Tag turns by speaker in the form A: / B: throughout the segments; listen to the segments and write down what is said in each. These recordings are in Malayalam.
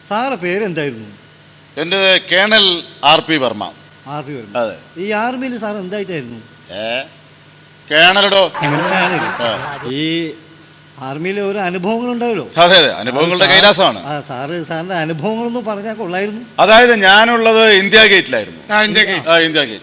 A: സാറെ പേരെന്തായിരുന്നു?
B: എൻ്റെ കേണൽ ആർ പി വർമ്മ.
A: അതെ. ഈ ആർമിയിൽ സാർ എന്തായിട്ടായിരുന്നു?
B: കേണലോ.
A: ഈ ആർമിയിലെ ഓരോ അനുഭവങ്ങൾ ഉണ്ടാവല്ലോ.
B: അതെ അതെ, അനുഭവങ്ങളുടെ കൈലാസമാണ്.
A: സാറിന്റെ അനുഭവങ്ങളൊന്നും പറഞ്ഞാൽ കൊള്ളായിരുന്നു.
B: അതായത് ഞാനുള്ളത് ഇന്ത്യ ഗേറ്റിലായിരുന്നു. ഇന്ത്യ ഗേറ്റ്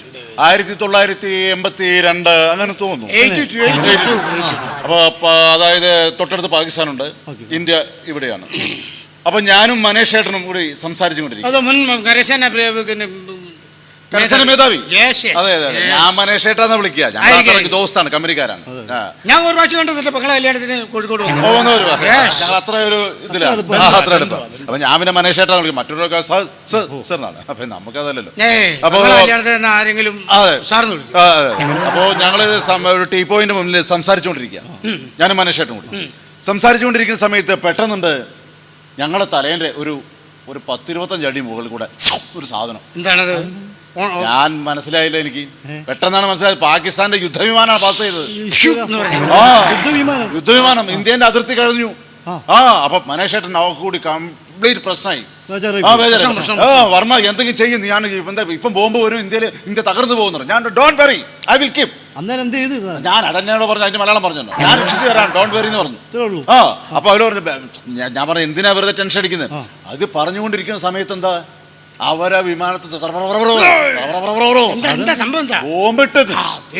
B: 1982 അങ്ങനെ തോന്നുന്നു. അപ്പൊ അതായത് തൊട്ടടുത്ത് പാകിസ്ഥാനുണ്ട്, ഇന്ത്യ ഇവിടെയാണ്. അപ്പൊ ഞാനും മനേഷ് ചേട്ടനും കൂടി സംസാരിച്ചുകൊണ്ടിരിക്കും. കരസേന മേധാവി. അതെ അതെ, ഞാൻ മനേഷ് ചേട്ടാന്ന് വിളിക്കുക. ഞങ്ങൾ ദോസ്താണ്, കമ്പനിക്കാരാണ്.
C: ഞാൻ ഒരു പ്രാവശ്യം കണ്ടു മക്കളെ കല്യാണത്തിന് കോഴിക്കോട്
B: ഞങ്ങൾ അത്ര ഒരു ഇതിലാണ്, അത്ര എടുത്തു. അപ്പൊ ഞാൻ പിന്നെ മനേഷ് ചേട്ടാന്ന് വിളിക്കും, മറ്റൊരു സാറിനാണ്. അപ്പൊ നമുക്കതല്ലല്ലോ. അപ്പൊ
C: ആരെങ്കിലും
B: അപ്പോ ഞങ്ങള് ഒരു ടീ പോയിന്റ് മുന്നിൽ സംസാരിച്ചുകൊണ്ടിരിക്കുക, ഞാനും മനേഷ് ചേട്ടനും കൂടി സംസാരിച്ചുകൊണ്ടിരിക്കുന്ന സമയത്ത് പെട്ടെന്നുണ്ട് ഞങ്ങളുടെ തലേന്റെ ഒരു 10-25 അടി മുകളിൽ കൂടെ ഒരു സാധനം.
C: എന്താണത്?
B: ഞാൻ മനസ്സിലായില്ല, എനിക്ക് പെട്ടെന്നാണ് മനസ്സിലായത്. പാകിസ്ഥാന്റെ യുദ്ധവിമാനമാണ് പാസ് ചെയ്തത്. യുദ്ധവിമാനം ഇന്ത്യന്റെ അതിർത്തി കഴിഞ്ഞു. അപ്പൊ മനേഷ് ചേട്ടൻ അവർക്ക് കൂടി കംപ്ലീറ്റ് പ്രശ്നമായി. വർമ്മ എന്തെങ്കിലും ചെയ്യുന്നു, ഞാൻ ഇപ്പം ബോംബ് വരും, ഇന്ത്യ തകർന്നു പോകുന്നുണ്ട്. ഞാൻ don't worry, I will keep. ഞാൻ അതന്നെയാണോ പറഞ്ഞു, അതിന്റെ മലയാളം പറഞ്ഞു, ഞാൻ രക്ഷിച്ചു തരാം, ഡോണ്ട് വെറി എന്ന് പറഞ്ഞു. അപ്പൊ അവര് പറഞ്ഞു, ഞാൻ പറഞ്ഞു എന്തിനാ വെറുതെ ടെൻഷൻ അടിക്കുന്നത്? അത് പറഞ്ഞുകൊണ്ടിരിക്കുന്ന സമയത്ത് എന്താ അവരാ വിമാനത്തിൽ ബോംബിട്ടത്.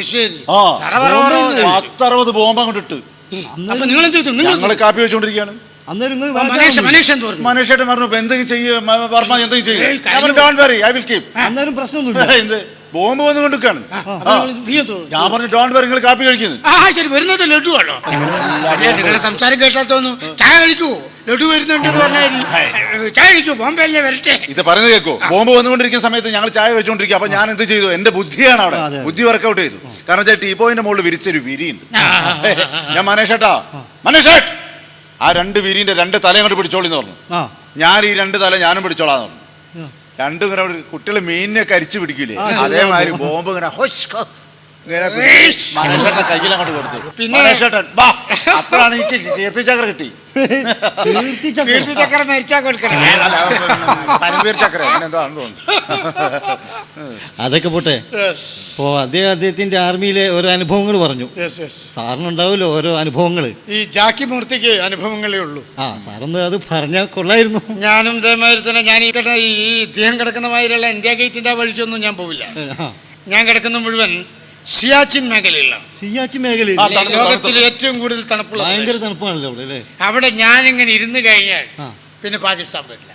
B: 10-60 ബോംബ് അങ്ങോട്ടിട്ട് ഞങ്ങള് കാപ്പി വെച്ചോണ്ടിരിക്കുകയാണ്. മനേഷ് ചേട്ടൻ പറഞ്ഞു എന്തെങ്കിലും ചെയ്യും വർമ്മ, എന്തെങ്കിലും ചെയ്യും. Don't worry, I will keep.
A: പ്രശ്നമൊന്നുമില്ല,
B: ബോംബ് വന്നുകൊണ്ടിരിക്കാണ്. ഞാൻ പറഞ്ഞു ഡോണ്ട് വെറി, നിങ്ങൾ കാപ്പി കഴിക്കുന്നത്.
C: വരുന്നത് ലഡു ആണോ? നിങ്ങളുടെ സംസാരം കേട്ടാ തോന്നുന്നു ചായ കഴിക്കൂ, ലഡു വരുന്നുണ്ടെന്ന് പറഞ്ഞാൽ ചായ കഴിക്കൂ, ബോംബെ അല്ലേ വരട്ടെ.
B: ഇത് പറയുന്നത് കേൾക്കോ? ബോംബ് വന്നുകൊണ്ടിരിക്കുന്ന സമയത്ത് ഞങ്ങൾ ചായ വെച്ചോണ്ടിരിക്കുക. അപ്പൊ ഞാൻ എന്ത് ചെയ്തു, എന്റെ ബുദ്ധിയാണ് അവിടെ, ബുദ്ധി വർക്കൗട്ട് ചെയ്തു. കാരണം വെച്ചാൽ ടീ പോയിന്റ് മുകളിൽ വിരിച്ചൊരു വിരിയുണ്ട്. ഞാൻ മനേഷ് ചേട്ടാ, മനേഷ് ചേട്ട് ആ 2 വിരിന്റെ 2 തല അങ്ങോട്ട് പിടിച്ചോളിന്ന് പറഞ്ഞു. ഞാൻ ഈ 2 തല ഞാനും പിടിച്ചോളാന്ന് പറഞ്ഞു. രണ്ടും ഇങ്ങനെ കുട്ടികൾ മീനിനെ കരിച്ചു പിടിക്കൂലേ, അതേമാതിരി ബോംബ് ഇങ്ങനെ മനേഷേട്ടൻ കയ്യിൽ അങ്ങോട്ട് കൊടുത്തു. മനേഷേട്ടൻ അപ്പോഴാണ് എനിക്ക് കീർത്തിചക്ര കിട്ടി.
C: കീർത്തിചക്ര മരിച്ചാ കൊടുക്കണം,
B: പരംവീർ ചക്ര എന്താണെന്ന് തോന്നുന്നു.
A: അതൊക്കെ പോട്ടെ. അദ്ദേഹത്തിന്റെ ആർമിയിലെ ഓരോ അനുഭവങ്ങൾ പറഞ്ഞു. സാറിനുണ്ടാവുമല്ലോ ഓരോ അനുഭവങ്ങള്.
C: ഈ ജാക്കി മൂർത്തിക്ക് അനുഭവങ്ങളേ ഉള്ളൂ.
A: സാറൊന്ന് അത് പറഞ്ഞാൽ കൊള്ളായിരുന്നു.
C: ഞാനും ഇതേമാതിരി തന്നെ, ഞാൻ ഈ ഇദ്ദേഹം കിടക്കുന്ന മാതിരിയുള്ള ഇന്ത്യ ഗേറ്റിന്റെ വഴിക്കൊന്നും ഞാൻ പോവില്ല. ഞാൻ കിടക്കുന്ന മുഴുവൻ സിയാച്ചിൻ മേഖലയിലാണ്.
A: സിയാച്ചിൻ മേഖലയിൽ
C: ലോകത്തിൽ ഏറ്റവും കൂടുതൽ തണുപ്പുള്ള,
A: ഭയങ്കര തണുപ്പാണല്ലോ അവിടെ.
C: അവിടെ ഞാനിങ്ങനെ ഇരുന്ന് കഴിഞ്ഞാൽ പിന്നെ പാകിസ്ഥാൻ വരില്ല.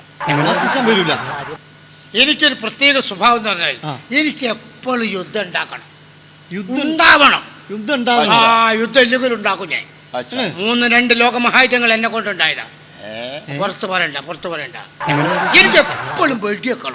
C: എനിക്കൊരു പ്രത്യേക സ്വഭാവം എന്ന് പറഞ്ഞാൽ എനിക്ക് എപ്പോഴും യുദ്ധം ഉണ്ടാക്കണം, ഉണ്ടാവണം. യുദ്ധം ഇല്ലെങ്കിൽ ഉണ്ടാക്കും ഞാൻ. 3 ലോകമഹായുധങ്ങൾ എന്നെ കൊണ്ടുണ്ടായതാ. പുറത്ത് പറയണ്ട. എനിക്ക് എപ്പോഴും വെടിവെക്കണം.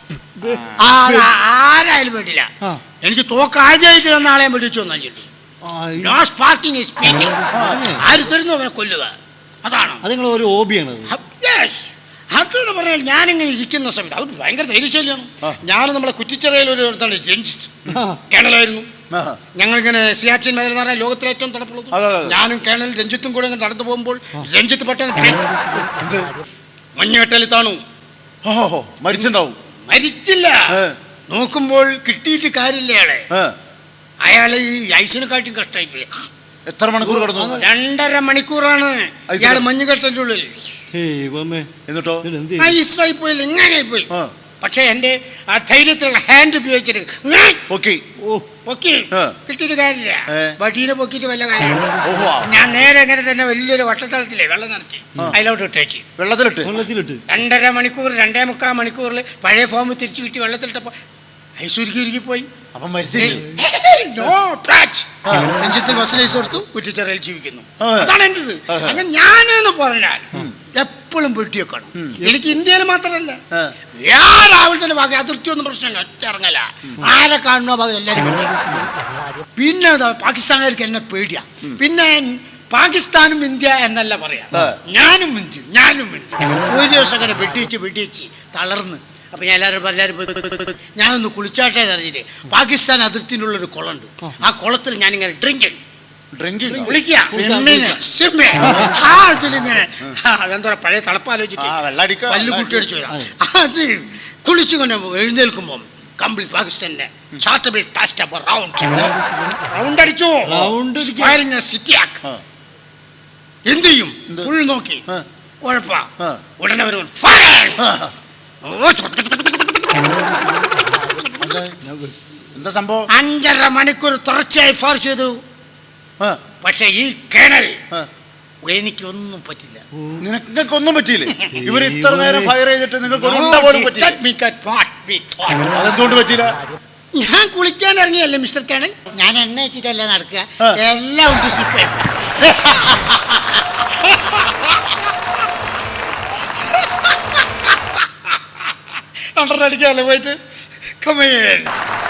C: ആരായാലും വേണ്ടില്ല, എനിക്ക് തോക്കാദ്യമായിട്ട് തന്ന ആളെയും വെടിച്ചു വന്നിട്ടുണ്ട്. No sparking speaking. ആര് തരുന്നു അവനെ കൊല്ലുക, അതാണ്
A: ഒരു ഹോബിയാണ്.
C: അതെന്ന് പറഞ്ഞാൽ ഞാനിങ്ങനെ ഇരിക്കുന്ന സമയത്ത് അത് ഭയങ്കര ധൈര്യശാലിയാണ്. ഞാൻ നമ്മളെ കുറ്റിച്ചിറയിൽ ഒരു രഞ്ജിത്ത് കേണലായിരുന്നു. ഞങ്ങളിങ്ങനെ സിയാച്ചിൻ മേഖല എന്ന് പറഞ്ഞാൽ ലോകത്തിലെ ഏറ്റവും തണുപ്പുള്ളത്. ഞാനും കേണൽ രഞ്ജിത്തും കൂടെ ഇങ്ങനെ നടന്നു പോകുമ്പോൾ രഞ്ജിത്ത് പെട്ടെന്ന് മഞ്ഞുകെട്ടലിൽ താണു. മരിച്ചില്ല, നോക്കുമ്പോൾ കിട്ടിയിട്ട് കാര്യമില്ല. അയാളെ ഈ ഐസിനെക്കാട്ടും കഷ്ടമായി പോയി.
B: എത്ര മണിക്കൂർ കിടന്നു?
C: 2.5 മണിക്കൂറാണ് ഇയാൾ മഞ്ഞുകെട്ടലിന്റെ ഉള്ളിൽ.
B: എന്നിട്ടോ
C: ഐസായി പോയില്ല, ഇങ്ങനെ പോയി. പക്ഷെ എന്റെ ആ ധൈര്യത്തിലുള്ള ഹാൻഡ് ഉപയോഗിച്ചിട്ട് കിട്ടിയിട്ട് കാര്യമില്ല. വടീനെ പൊക്കിയിട്ട് വല്ല കാര്യം. ഞാൻ നേരെ ഇങ്ങനെ തന്നെ വലിയൊരു വട്ടത്തളത്തിലെ വെള്ളം നിറച്ച് അതിലോട്ട് ഇട്ടേച്ച്
B: വെള്ളത്തിലിട്ട്
C: 2.5 മണിക്കൂർ 2.25 മണിക്കൂറിൽ പഴയ ഫോം തിരിച്ചു കിട്ടി വെള്ളത്തിലിട്ടപ്പോ ഐസുരുക്കി പോയി. രഞ്ജിത്തിൽ വസലൈസ് കൊടുത്തു, കുറ്റിച്ചിറയിൽ ജീവിക്കുന്നു. അതാണ് എന്റേത്. അങ്ങനെ ഞാനെന്ന് പറഞ്ഞാൽ എപ്പോഴും വെട്ടിവെക്കണം. എനിക്ക് ഇന്ത്യയിൽ മാത്രമല്ല, രാവിലത്തെ ഭാഗം അതിർത്തിയൊന്നും പ്രശ്നമില്ല, ഒറ്റ ഇറങ്ങല. ആരെ കാണുന്ന ഭാഗം എല്ലാവരും. പിന്നെ പാകിസ്ഥാനുകാർക്ക് എന്നെ പേടിയാ. പിന്നെ പാകിസ്ഥാനും ഇന്ത്യ എന്നല്ല പറയാ, ഞാനും ഇന്ത്യ. ഒരു ദിവസം അങ്ങനെ വെട്ടിച്ച് തളർന്ന്. അപ്പൊ ഞാൻ എല്ലാവരും പോയി ഞാനൊന്ന് കുളിച്ചാട്ടെ അറിഞ്ഞിട്ട് പാകിസ്ഥാൻ അതിർത്തിനുള്ളൊരു കുളമുണ്ട്. ആ കുളത്തിൽ ഞാനിങ്ങനെ
B: ഡ്രിങ്കിങ്
C: കുളിക്കുക ഇതിലിങ്ങനെ എന്താ പഴയ തളപ്പാലോചിച്ച് പല്ല് കുട്ടിയടിച്ചു അത് കുളിച്ചുകൊണ്ട് എഴുന്നേൽക്കുമ്പോ കംപ്ലീറ്റ് പാകിസ്ഥാന്റെ റൗണ്ട് അടിച്ചു എന്ത് ചെയ്യും ഫുൾ നോക്കി കുഴപ്പ ഉടനെ വരും
B: എന്താ സംഭവം
C: 5.5 മണിക്കൂർ തുടർച്ചയായി ഫയർ ചെയ്തു പക്ഷെ ഈ കേണൽ എനിക്കൊന്നും പറ്റില്ല
B: നിനക്കൊന്നും പറ്റിയില്ലേ ഇവർ ഇത്ര നേരം ഫയർ ചെയ്തിട്ട് നിങ്ങൾക്ക് അതെന്തുകൊണ്ട് പറ്റിയില്ല
C: ഞാൻ കുളിക്കാൻ ഇറങ്ങിയല്ലേ മിസ്റ്റർ കേണൽ ഞാൻ എണ്ണ വെച്ചിട്ടല്ല നടക്കുക എല്ലാം ഉണ്ട് സ്ലിപ്പ് അടിക്കാല്ലേ പോയിട്ട് കമേൻ